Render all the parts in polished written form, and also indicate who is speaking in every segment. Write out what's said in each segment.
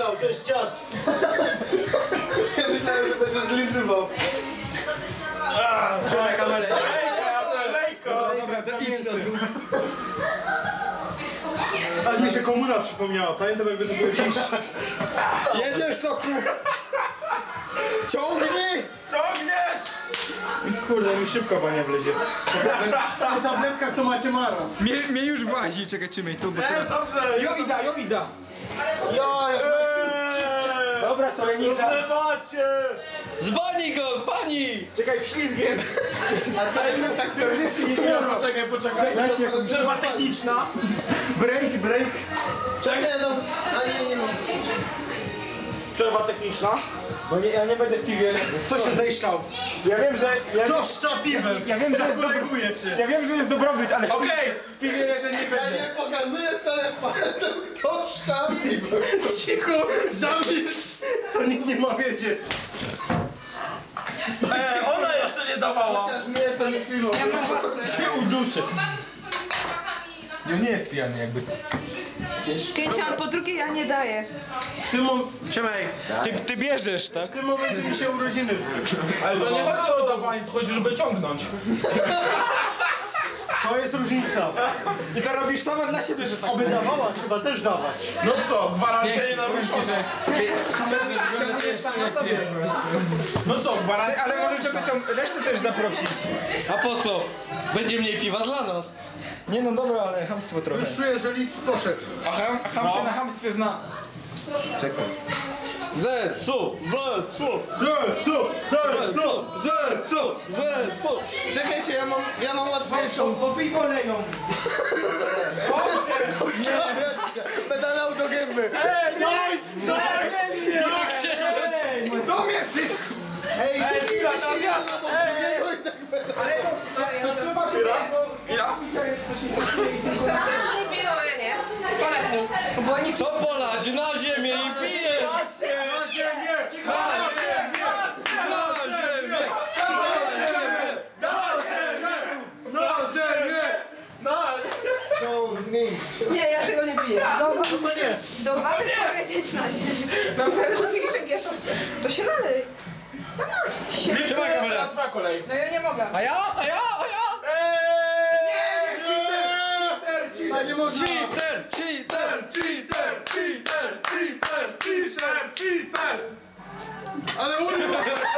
Speaker 1: myślał, to jest dziad. Ja myślałem, że będzie zlizywał.
Speaker 2: Trzymaj kamerę.
Speaker 1: Lejko!
Speaker 2: Dobra, to idź sobie.
Speaker 1: Aż mi się komuna przypomniała, pamiętam jakby to było dziś.
Speaker 2: Jedziesz, soku! Ciągnij!
Speaker 3: Ciągniesz!
Speaker 1: Kurde, mi szybko bania wlezie. Po tabletkach to macie maraz.
Speaker 2: Mnie już włazi, czekaj, trzymaj tu, bo teraz...
Speaker 3: Dobrze!
Speaker 2: Jo ida!
Speaker 1: Dobra, soleniza.
Speaker 3: Zlewacie!
Speaker 2: Zbani go, zbani!
Speaker 1: Czekaj, wślizgiem. A co jest tak, to już jest
Speaker 3: Poczekaj.
Speaker 1: Dajcie jakąś
Speaker 3: Przerwa techniczna.
Speaker 1: break.
Speaker 3: Czekaj,
Speaker 1: no. A nie mogę.
Speaker 3: Przerwa techniczna.
Speaker 1: Bo nie, ja nie będę w piwie. Co się zejszczał? Ja wiem, że...
Speaker 3: Kto szcza piwem?
Speaker 1: Ja wiem, że jest
Speaker 3: Koleguje cię.
Speaker 1: Ja wiem, że jest dobrobyt, ale
Speaker 3: Okej!
Speaker 1: w piwie leżę nie będę.
Speaker 4: Ja nie pokazuję wcale palcem, kto szczapi.
Speaker 1: Cicho, zamilcz! To nikt nie ma wiedzieć.
Speaker 3: Ona jeszcze nie dawała.
Speaker 4: Chociaż nie, to nie piwo.
Speaker 1: Się uduszę.
Speaker 2: No nie jest pijany jakby.
Speaker 5: 50 po drugie ja nie daję.
Speaker 2: Trzymaj. Ty bierzesz, tak?
Speaker 1: W tym momencie mi się urodziny.
Speaker 3: Ale to nie chodzi o dawanie, to chodzi, żeby ciągnąć.
Speaker 1: To jest różnica.
Speaker 2: I to robisz sama dla siebie, że tak.
Speaker 1: Aby dawała, trzeba też dawać.
Speaker 3: No co, gwarancja nie naruszona. No co, gwarancja?
Speaker 2: Ale może trzeba tą resztę też zaprosić.
Speaker 6: A po co? Będzie mniej piwa dla nas.
Speaker 2: Nie no dobra, ale chamstwo trochę.
Speaker 1: Już czuję, że litr poszedł.
Speaker 2: A ham się na chamstwie zna. Czekaj.
Speaker 6: Zetsu!
Speaker 4: Czekajcie, ja mam łatwiejszą.
Speaker 1: Popij kolejną.
Speaker 4: Pedalał do gęby.
Speaker 2: Do mnie wszystko!
Speaker 4: Ej, siedzicie na bok drugiego i tak
Speaker 5: Czemu nie piją, ale nie? Poradź mi. Bo oni
Speaker 6: Co polać? Na ziemię i pijesz!
Speaker 1: Na ziemię!
Speaker 5: Nie, ja tego nie piję. Do wody powiedzieć na ziemię. Mam zaraz do kieliszek gierszowce. To się nalej. Sama.
Speaker 6: Trzymaj kamerę!
Speaker 3: Teraz twoja kolej.
Speaker 5: No ja nie mogę.
Speaker 6: A ja?
Speaker 4: A nie można.
Speaker 6: Cheater!
Speaker 4: Ale urwa.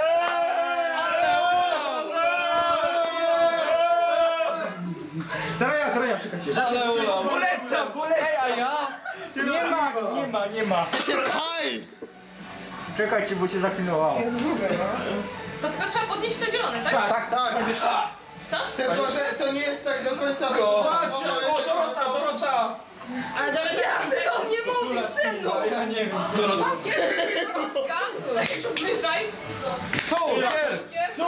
Speaker 1: Taraja, czekajcie.
Speaker 6: Ale ulam!
Speaker 1: Polecam!
Speaker 6: Ej, a ja?
Speaker 1: Nie ma.
Speaker 6: Ty się pchaj!
Speaker 1: Czekajcie, bo się zaklinowało.
Speaker 5: Jest grube, no.
Speaker 7: To tylko trzeba podnieść to zielone, tak?
Speaker 4: Tak.
Speaker 7: Co?
Speaker 4: Tylko, że to nie jest tak do końca.
Speaker 3: Patrzcie, o Dorota!
Speaker 7: Ale to ja o mnie mówisz, synu!
Speaker 1: Ja nie wiem.
Speaker 7: Kiedy jest kobitka? Tak jak zazwyczaj.
Speaker 6: Cukier!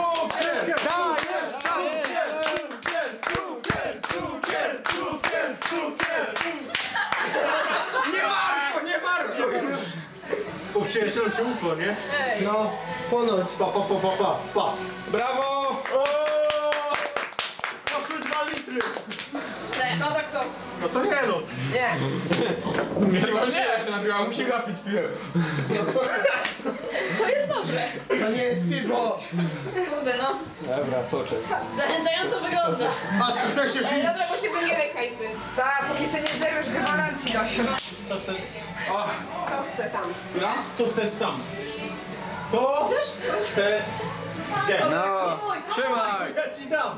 Speaker 1: Nie warto już. Po przyjacielu cię UFO, nie?
Speaker 4: No, ponoć. Pa.
Speaker 2: Brawo!
Speaker 1: Poszły 2 litry.
Speaker 7: No tak to.
Speaker 1: No to nie no.
Speaker 2: To nie, ja się napiłam, musi zapić piwem.
Speaker 7: To jest dobre.
Speaker 4: To nie jest piwo.
Speaker 7: Kurde, no.
Speaker 2: Dobra, soczek.
Speaker 7: Zachęcająco wygląda.
Speaker 1: Aż chce się żyć.
Speaker 7: Dobra, bo się wymiewaj kajcy.
Speaker 5: Tak, póki sobie nie zerwiesz gwarancji, Dosiu. To chcę tam.
Speaker 1: Co chcesz tam? To chcesz... Gdzie?
Speaker 6: No!
Speaker 7: Mój,
Speaker 6: Trzymaj!
Speaker 1: Ja ci dam.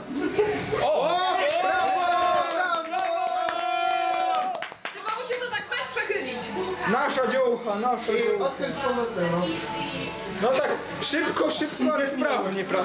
Speaker 7: tylko musi to tak fest przechylić.
Speaker 2: Nasza dziołcha, nasza dziołcha.
Speaker 4: Odkręć z powrotem.
Speaker 2: No tak, szybko, ale sprawnie, prawda?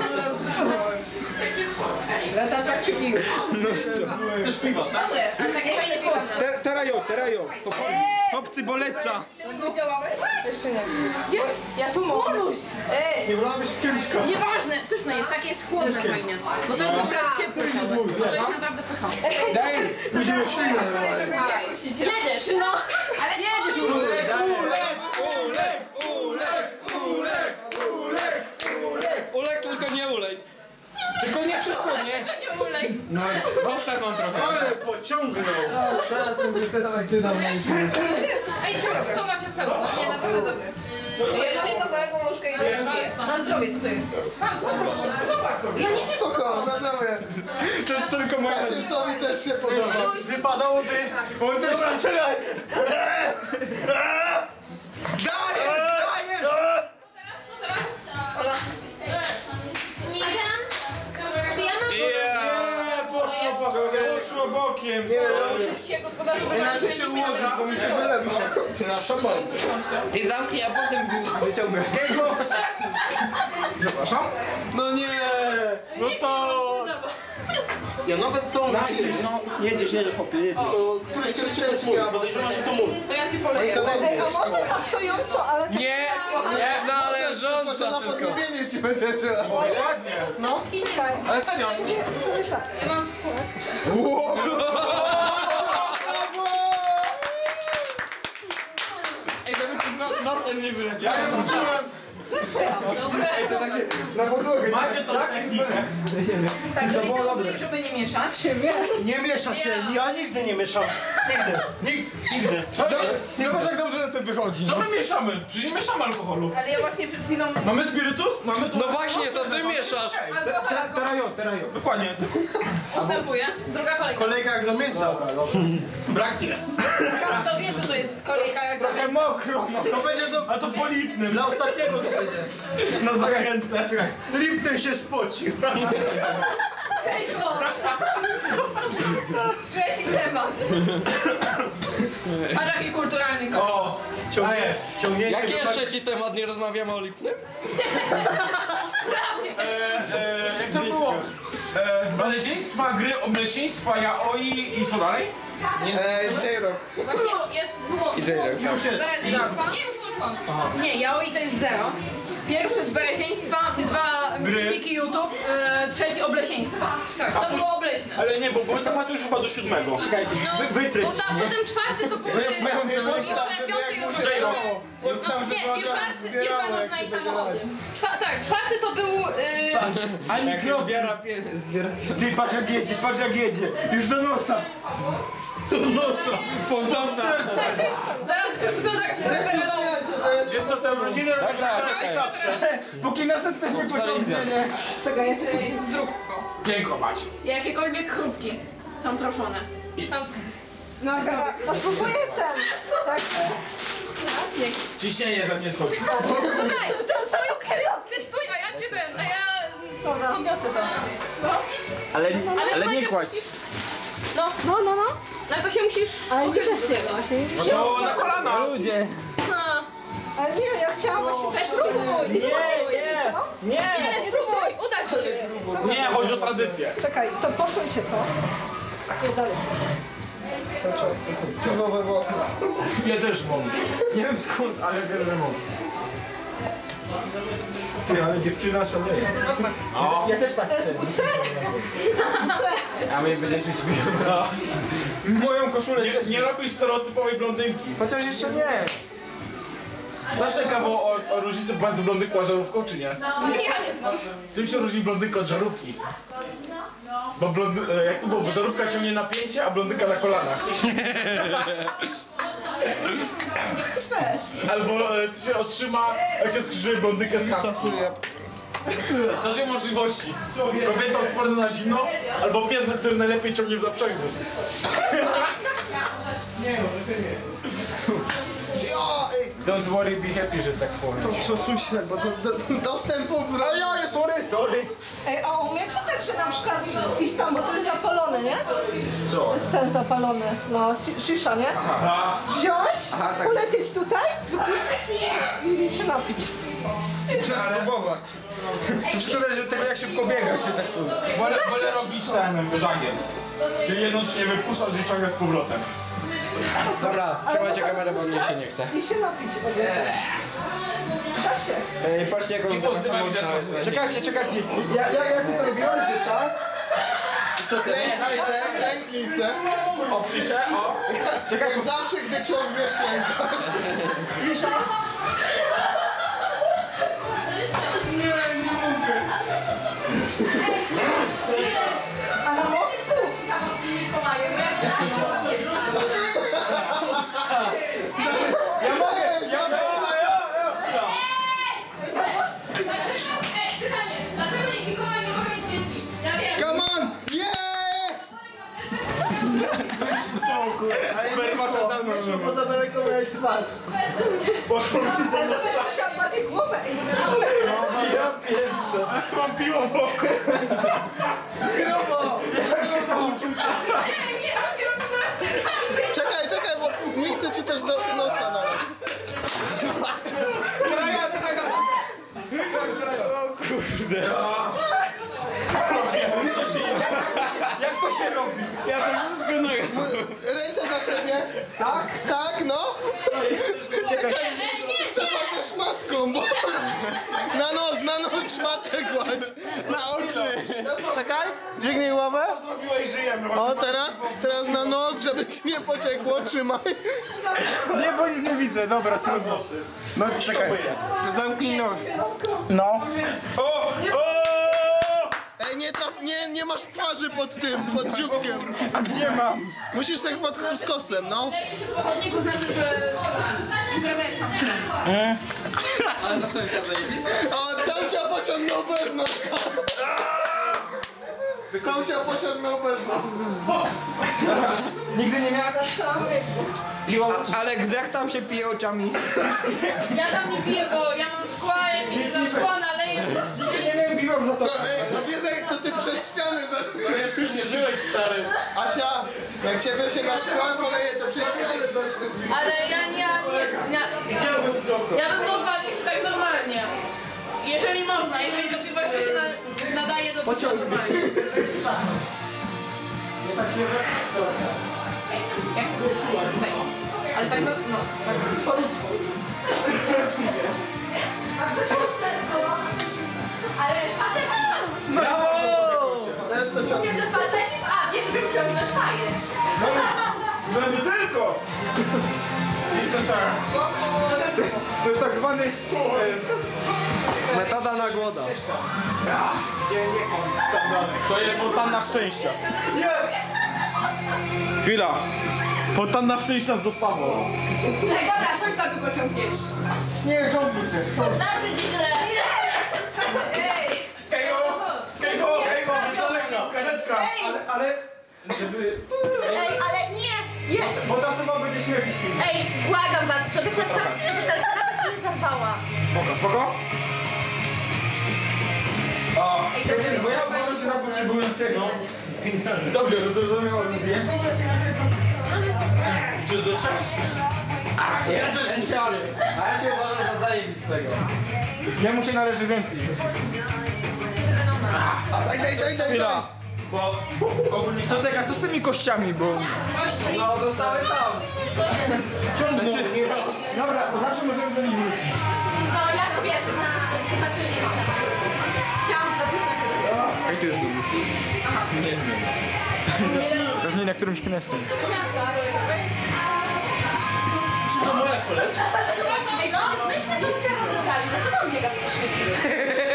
Speaker 5: Lata praktyki już.
Speaker 2: No co?
Speaker 1: Chcesz piwa?
Speaker 7: Dobre, ale takie fajne piwo.
Speaker 2: Terajo. Chłopcy boleca.
Speaker 7: Ty już działałeś?
Speaker 5: Jeszcze nie. Ja tu mogę.
Speaker 7: Bonuś!
Speaker 5: Ej,
Speaker 1: Nie wolałabyś z kieliszka.
Speaker 7: Nieważne, pyszne jest, takie jest chłodne fajnie. Bo to jest naprawdę ciepłe kawę. Bo to jest naprawdę pycha.
Speaker 2: Daj,
Speaker 1: Pójdziemy w ślinę.
Speaker 7: Jedziesz, no! Ale jedziesz,
Speaker 6: Ulek, tylko nie ulej!
Speaker 2: tylko nie wszystko, nie?
Speaker 7: Nie ulej.
Speaker 2: Zostaw mam trochę.
Speaker 1: Ale pociągnął. Zaraz ten wysecki ty dam.
Speaker 7: Ej, co? To macie pełno. Nie, naprawdę dobre.
Speaker 5: Jedno za jaką nóżkę i
Speaker 7: Na zdrowie, co to jest?
Speaker 5: Ja nic nie
Speaker 4: Spoko, na zdrowie.
Speaker 1: Tylko moja...
Speaker 4: Kasielcowi też się podoba.
Speaker 1: Wypadałoby... On też... Dobra, czekaj!
Speaker 7: Ola. Nie wiem. Czy ja mam
Speaker 3: Poszło bokiem.
Speaker 7: użyć się gospodarzu, bo
Speaker 4: Inaczej się ułoży, bo mi się wylewa. Na szopę.
Speaker 6: Ty zamknij, a potem wyciągnę.
Speaker 1: No nie! No to...
Speaker 6: Ja nawet z tą no jedziesz, chłopie, jedziesz.
Speaker 4: Któryś kiedyś teczki, a podejrzewam, że to mój.
Speaker 7: To ja ci poleję.
Speaker 5: Ej, a można na stojąco, ale...
Speaker 6: Nie, należąca
Speaker 4: Na
Speaker 6: tylko.
Speaker 4: podmówienie ci będzie żyła.
Speaker 5: No, czekaj.
Speaker 3: Ale serio.
Speaker 7: Ja mam
Speaker 6: Ej, żeby tu nosem nie wyleciał.
Speaker 1: Na podłogę.
Speaker 3: Macie tą technikę.
Speaker 7: tak, to było dobre, żeby nie mieszać.
Speaker 1: Nie miesza się, ja nigdy nie mieszam. Nigdy.
Speaker 2: Zobacz jak dobrze na tym wychodzi.
Speaker 3: Co my mieszamy? Przecież nie mieszamy alkoholu.
Speaker 7: Ale ja właśnie przed chwilą...
Speaker 3: Mamy spirytu? Mamy tu...
Speaker 6: No właśnie, to ty mieszasz.
Speaker 7: Alkohol
Speaker 3: Dokładnie.
Speaker 7: ustępuje. Druga kolejka.
Speaker 1: Kolejka jak do mięsa.
Speaker 3: Braknie.
Speaker 7: Kto wie, co to jest kolejka jak za mięso?
Speaker 1: Mokro, no. To będzie do...
Speaker 3: A to po lipnym.
Speaker 1: Dla ostatniego to będzie.
Speaker 3: Na zachętę.
Speaker 1: Lipny się spocił.
Speaker 7: Hej, o! Trzeci temat. A taki kulturalny koleś.
Speaker 3: O!
Speaker 1: Ciągnięcie
Speaker 6: Jaki
Speaker 1: do...
Speaker 6: jeszcze ci temat, nie rozmawiamy o lipnym?
Speaker 3: Jak to było? Z baleźieństwa, gry, obleśieństwa, yaoi i co dalej?
Speaker 4: J-Rock.
Speaker 7: Właśnie jest wyłączone.
Speaker 3: Już jest.
Speaker 7: Nie, już włączyłam. Nie, yaoi to jest 0. Pierwszy z bereźieństwa, 2 filmiki YouTube, trzeci obleśieństwa. Tak, to było obleśne.
Speaker 3: Ale nie, bo były tematy już chyba do 7.
Speaker 7: No,
Speaker 1: wytryć.
Speaker 7: potem czwarty to były jeszcze piąty i
Speaker 3: J-Rock.
Speaker 7: nie, piłka nożna i samochody. Czwarty to był...
Speaker 1: Ani zbiera Ty patrz jak jedzie. Już do nosa. Do nosa. Fontanna.
Speaker 7: Zaraz wygląda jak
Speaker 3: Wiesz co, te urodziny robisz
Speaker 1: Póki nosem ktoś nie pociągnie, nie?
Speaker 5: Czekaj, ja cię...
Speaker 7: zdrówko.
Speaker 3: dziękować.
Speaker 7: Jakiekolwiek chrupki są proszone. Tam są. No,
Speaker 5: A spróbuję ten. Tak.
Speaker 3: Ciśnienie za mnie schodzi.
Speaker 7: Czekaj, ty stój, a ja cię a ja podniosę to.
Speaker 3: Ale nie kładź.
Speaker 7: No, ale to się musisz
Speaker 5: Ale nie
Speaker 7: uchylić
Speaker 5: da
Speaker 7: do
Speaker 5: się,
Speaker 7: tego.
Speaker 3: No na kolana.
Speaker 7: No.
Speaker 5: Ale nie, ja chciałam właśnie...
Speaker 7: Spróbuj,
Speaker 3: Nie.
Speaker 7: nie, spróbuj, uda ci się.
Speaker 3: Nie, chodzi o tradycję.
Speaker 5: Czekaj, to posuńcie to. Nie dalej.
Speaker 4: Piwowe włosy.
Speaker 3: Ja też mam.
Speaker 1: Nie wiem skąd, ale wiem, że mogę. Ty, ale dziewczyna szaleje. Ja też tak chcę.
Speaker 5: SWC?
Speaker 1: A my będzie czuć moją koszulę.
Speaker 3: Nie robisz stereotypowej blondynki.
Speaker 1: Chociaż jeszcze nie.
Speaker 3: Znasz kawał o różnicy pomiędzy blondynką a żarówką, czy nie?
Speaker 7: Ja nie znam.
Speaker 3: Czym się różni blondynka od żarówki? Bo jak to było? Bo żarówka ciągnie napięcie, a blondynka na kolanach. Albo ty się otrzyma, jak się skrzyżuje blondynkę z kasą. Są dwie możliwości. Kobieta odporna na zimno, albo pies, który najlepiej ciągnie w zaprzęgu.
Speaker 1: Don't worry, be happy, że tak powiem.
Speaker 4: To przesuń się, bo dostępu...
Speaker 1: A ja, sorry.
Speaker 5: Ej, a umiecie tak, że na przykład iść tam, bo to jest zapalone, nie?
Speaker 3: Co?
Speaker 5: To jest ten zapalony, no, szysza, nie? Wziąć, polecieć tutaj, wypuścić i się napić.
Speaker 1: Muszę spróbować. To wszystko zależy od tego, jak szybko biega się tak powiem.
Speaker 3: Wolę robić ten żagiel. Czyli jedną się nie wypuszcza, że ciągle z powrotem.
Speaker 6: Dobra, trzymajcie kamerę, bo mnie się nie chce.
Speaker 5: I się napić od razu. Da się.
Speaker 1: Ej, patrzcie jak on
Speaker 3: I pozytywnie widzę.
Speaker 1: Czekajcie. Jak ty to robiłeś, że tak?
Speaker 4: Klęknij se.
Speaker 3: Oprzyj się, o.
Speaker 4: Czekaj, zawsze gdy ciągniesz klęka.
Speaker 5: A na mostku?
Speaker 2: poszło, bo za daleko miałeś twarz.
Speaker 5: Zosia ma tę głowę.
Speaker 2: Ja pierwsze.
Speaker 3: Mam piło w oku.
Speaker 2: Grubo!
Speaker 7: Nie, dopiero mi zaraz czekamy.
Speaker 4: Czekaj, bo nie chcę ci też do nosa nalać.
Speaker 1: Jak to się robi? Ja to wszystko
Speaker 4: Ręce za siebie. Tak, no. Czekaj, trzeba ze szmatką, bo... Na nos szmatę kładź.
Speaker 2: Na oczy!
Speaker 4: Czekaj, dźwignij głowę.
Speaker 3: Zrobiłeś, żyjemy.
Speaker 4: O, teraz na nos, żeby ci nie pociekło, trzymaj.
Speaker 2: Nie, bo nic nie widzę, dobra, trudno. No czekaj, to zamknij nos.
Speaker 1: No.
Speaker 3: O!
Speaker 4: Ej, nie masz twarzy pod dzióbkiem.
Speaker 2: A gdzie mam?
Speaker 4: Musisz tak pod skosem, no.
Speaker 7: Jeśli w pochodniku znaczy, że impreza jest tam.
Speaker 4: O, Tomcia pociągnął bez nosa. Tomcia pociągnął bez nosa.
Speaker 2: Nigdy nie miałem... Aleks, jak tam się pije oczami?
Speaker 7: Ja tam nie piję, bo ja mam szkła, jak mi się za szkła naleje.
Speaker 2: Nie miałem piwa za to.
Speaker 4: To wiedzę, to ty przez ściany zażyłeś. Jeszcze nie żyłeś, stary. Asia, jak ciebie się na szkła poleje, to przez ściany zażyłeś.
Speaker 7: Ale ja bym mogła pić tak normalnie. Jeżeli można, jeżeli do piwa jeszcze się nadaje do picia normalnie.
Speaker 4: Nie tak się
Speaker 7: Jak tak. Ale tak, no tak po ludzku.
Speaker 5: Ale facet...
Speaker 1: Brawo!
Speaker 4: też to ciągnie.
Speaker 5: Że facet... A, nie wiem, ciągnąć fajnie.
Speaker 3: No nie tylko!
Speaker 2: To jest tak zwany... metoda na głoda.
Speaker 3: To jest fontanna szczęścia. Jest! Chwila. Fontanna szczęścia z dostawą.
Speaker 5: Ej, dobra, coś za długo ciągniesz.
Speaker 2: Nie, ciągnij się.
Speaker 7: To znaczy ci tyle.
Speaker 5: Ej!
Speaker 3: Kejgo, z daleka, karetka.
Speaker 2: Ale... Żeby...
Speaker 5: Ej, ale nie! Nie!
Speaker 2: Bo ta suma będzie śmierci śpiewa.
Speaker 5: Ej, błagam was, żeby ta sprawa się nie zarwała.
Speaker 2: Spoko?
Speaker 7: Ej, dobrze,
Speaker 2: Bo ja uważam się za potrzebującego. Dobrze, to zrozumiałem zje.
Speaker 3: Do czasu.
Speaker 4: A ja się uważam za zajebistego.
Speaker 2: Jemu się należy więcej.
Speaker 4: Daj.
Speaker 2: Chwila. Bo ogólnie... Co czeka, co z tymi kościami, bo...
Speaker 4: No, zostały tam.
Speaker 2: Znaczy, dobra, bo zawsze możemy do nich wrócić.
Speaker 5: No, ja ci wierzę, to znaczy nie wiem. Chciałam zapisać to.
Speaker 2: Ej, tu jest zoom. Pewnie na którymś knefie.
Speaker 3: To moja koleżka.
Speaker 5: Ej, no, myśmy sobie rozebrali, dlaczego on biega w koszuli?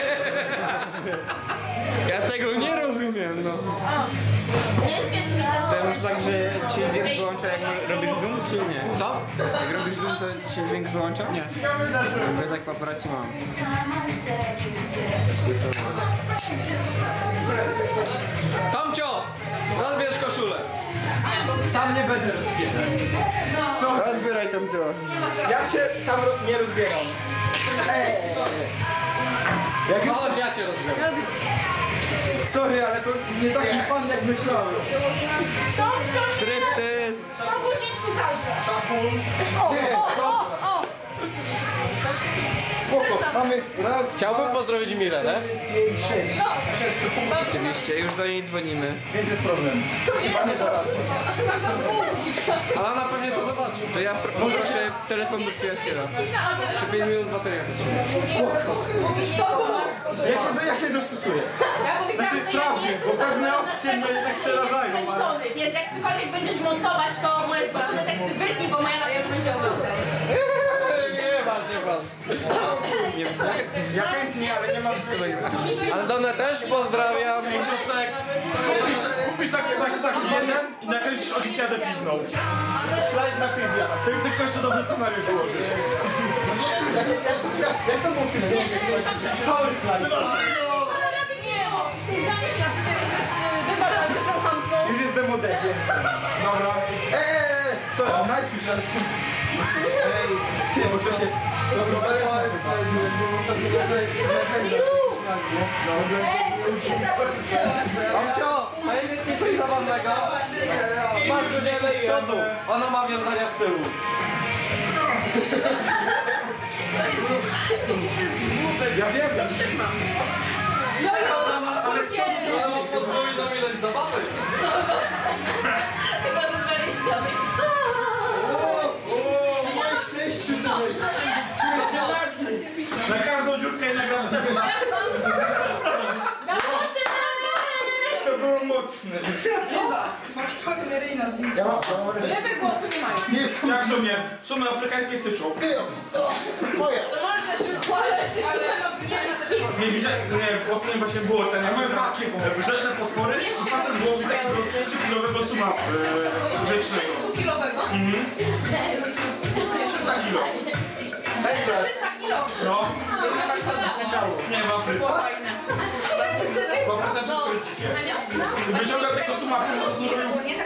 Speaker 2: Ja tego nie rozumiem, no.
Speaker 5: Nie świeć mi ten...
Speaker 1: To już tak, że ci się dźwięk wyłącza jak robisz zoom, czy nie?
Speaker 2: Co?
Speaker 1: Jak robisz zoom, to ci się dźwięk wyłącza? Nie. Ja tak w aparacie mam.
Speaker 2: Tomcio! Rozbierz koszulę.
Speaker 1: Sam nie będę rozbierać.
Speaker 2: Rozbieraj Tomcio. Ja się sam nie rozbieram. Jak już...
Speaker 4: Chodź, ja cię rozbiorę.
Speaker 2: Sorry, ale to nie taki fan jak myślałem.
Speaker 1: Striptease!
Speaker 5: Po guziczku każdy.
Speaker 7: O!
Speaker 2: Spoko, mamy raz,
Speaker 4: Chciałbym pozdrowić Milenę.
Speaker 2: 5, 6.
Speaker 1: Oczywiście, już do niej dzwonimy.
Speaker 2: Więc jest problem.
Speaker 4: Ale ona pewnie to zobaczy.
Speaker 1: To ja proszę telefon do przyjaciela.
Speaker 4: Jeszcze 5 minut bateria wytrzyma.
Speaker 2: Ja się dostosuję.
Speaker 5: Ja powiedziałam,
Speaker 2: Znaczy
Speaker 5: że
Speaker 2: sprawnie, bo pewne opcje mnie tak przerażają, ale...
Speaker 5: kręcony, więc jak cokolwiek będziesz montować, to moje spoczone teksty wytnij, bo moja na pewno będzie oglądać.
Speaker 4: Nie ważne.
Speaker 2: Ja chętnie, ale nie mam swojego.
Speaker 4: Ale Donę też pozdrawiam.
Speaker 3: Kupisz taki jeden i nakręcisz olimpiadę piwną.
Speaker 2: Slajd na piwie.
Speaker 3: Tylko jeszcze dobry scenariusz ułożysz.
Speaker 2: Jak to było w tym filmie? Power slide.
Speaker 7: Ale rady nie, bo chcesz zamieść na wybrać taką chamską.
Speaker 2: Już jest demodek.
Speaker 3: Dobra.
Speaker 1: Co? Najpierw raz. Ty, bo to się...
Speaker 4: Amcio, a jest coś zabawnego? Masz z przodu, ona ma wiązania z tyłu.
Speaker 1: Ja wiem.
Speaker 4: Ona ma podwójną ilość zabawek.
Speaker 7: Chyba za 20.
Speaker 3: Na każdą dziurkę i na każdą
Speaker 1: To było mocne.
Speaker 7: Żeby głosu nie mają.
Speaker 3: Jak do mnie? Sumy afrykańskie syczą.
Speaker 7: To możesz też się składać, jesteś super
Speaker 3: Nie widziałem, nie, ostatnio właśnie było ten, ja byłem takie rzeczne potwory, to facet złowił takiego 300-kilowego suma rzecznego.
Speaker 7: 300-kilowego?
Speaker 3: 300 kilo.
Speaker 7: Ale to 300 kilo.
Speaker 3: No, nie w Afryce. W Afryce wszystko jest dzikie. Wyciągał tego sumaka, co zrobił,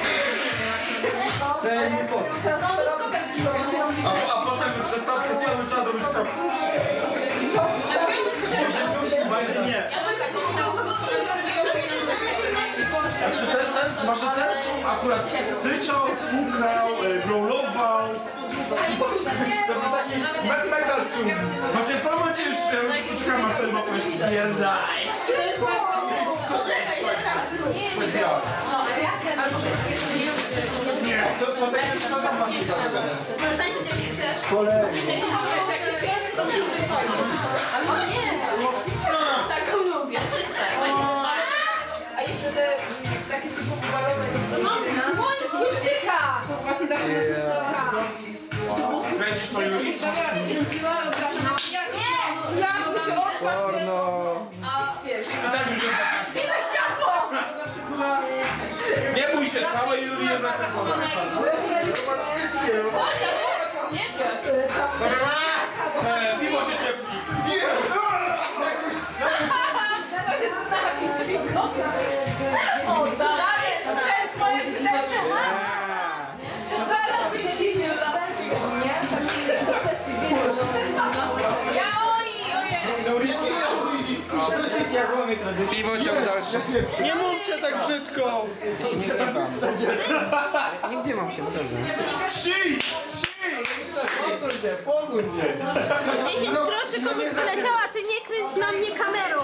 Speaker 3: a potem przez cały czas robił tak. Właśnie nie. Znaczy ten, może ten akurat syczał, pukał, growlował. To był taki metal sum. Właśnie w tym momencie już czekam aż ten mapę spierdaj.
Speaker 7: To jest bardzo... Poczekaj, jeszcze raz. Nie, albo
Speaker 4: Co tam masz ciekawego?
Speaker 7: Przestańcie, jak chcesz.
Speaker 4: Kolejny.
Speaker 7: Jak się kręci, to się przysłania. O nie! Taką lubię. Właśnie te dwa. A jeszcze te takie typu balowe. No, to jest guszczyka! To właśnie zawsze na guszczyka.
Speaker 3: Kręcisz to, Juri?
Speaker 7: Kręciłam, nie! Jak się oczka świecą. A wiesz...
Speaker 3: Tak już jest.
Speaker 7: Widzę światło! Zawsze była...
Speaker 3: Nie bój się, całe Juri jest zakręcone.
Speaker 7: Co za było ciągniecie?
Speaker 3: Piwo się ciepli.
Speaker 7: To jest znak cicho. O, dalej! Twoje ślepsze! Zaraz by się widział. Ja ojej!
Speaker 1: Ja złamię tradycję.
Speaker 2: Piwo ciąg dalszy.
Speaker 4: Nie mówcie tak brzydko!
Speaker 2: Nigdy mam się, naprawdę.
Speaker 4: Pozór mnie!
Speaker 5: 10 groszy komuś wyleciała, ty nie kręć na mnie kamerą.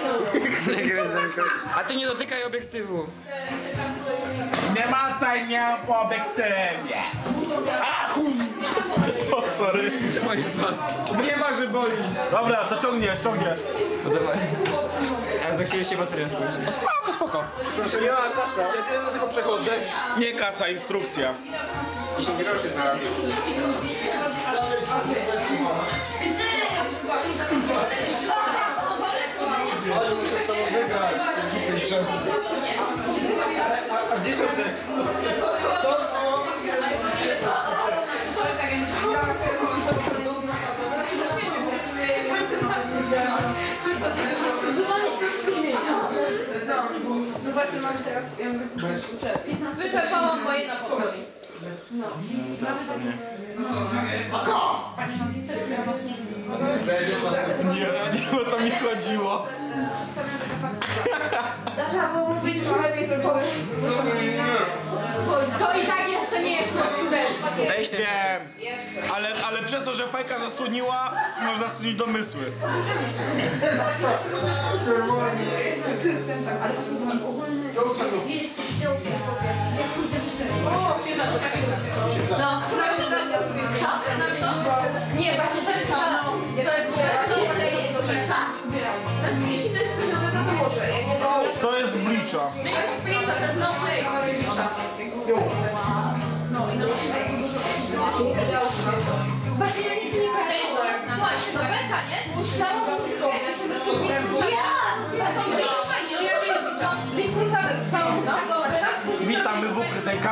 Speaker 2: A ty nie dotykaj obiektywu.
Speaker 3: Nie macaj mnie po obiektywie. A kur... O, sorry.
Speaker 1: Nie ma, że boli.
Speaker 3: Dobra, to ciągniesz.
Speaker 2: To dawaj. A za chwilę się bateria skończy.
Speaker 3: Spoko.
Speaker 1: Proszę, nie ma kasa.
Speaker 3: Ja tylko przechodzę. Nie kasa, instrukcja.
Speaker 2: 10 groszy zaraz.
Speaker 4: Ale muszę z tobą wygrać.
Speaker 1: A gdzie są czek?
Speaker 5: No właśnie mam teraz...
Speaker 7: Wyczerpałam moje na pokoju.
Speaker 3: Nie o to mi chodziło.
Speaker 5: Trzeba było mówić, że lepiej zrobione. To i tak jeszcze nie jest student.
Speaker 3: Weź wiem. Ale przez to, że fajka zasłoniła, można zasłonić domysły.
Speaker 7: No,
Speaker 5: Nie, właśnie to jest chyba... Jeśli to jest coś dobrego, to może. Jak nie to...
Speaker 3: To jest blicza.
Speaker 5: To jest Blicza, to jest no place. Blicza. Właśnie ja nigdy nie kojarzę.
Speaker 7: Słuchajcie, no beka, nie? Całą muzykę ze spódnikiem. Ja! To są dzieci fajnie, ja wiem. Big Crusader z całą muzyką.
Speaker 3: Witamy w ukrytej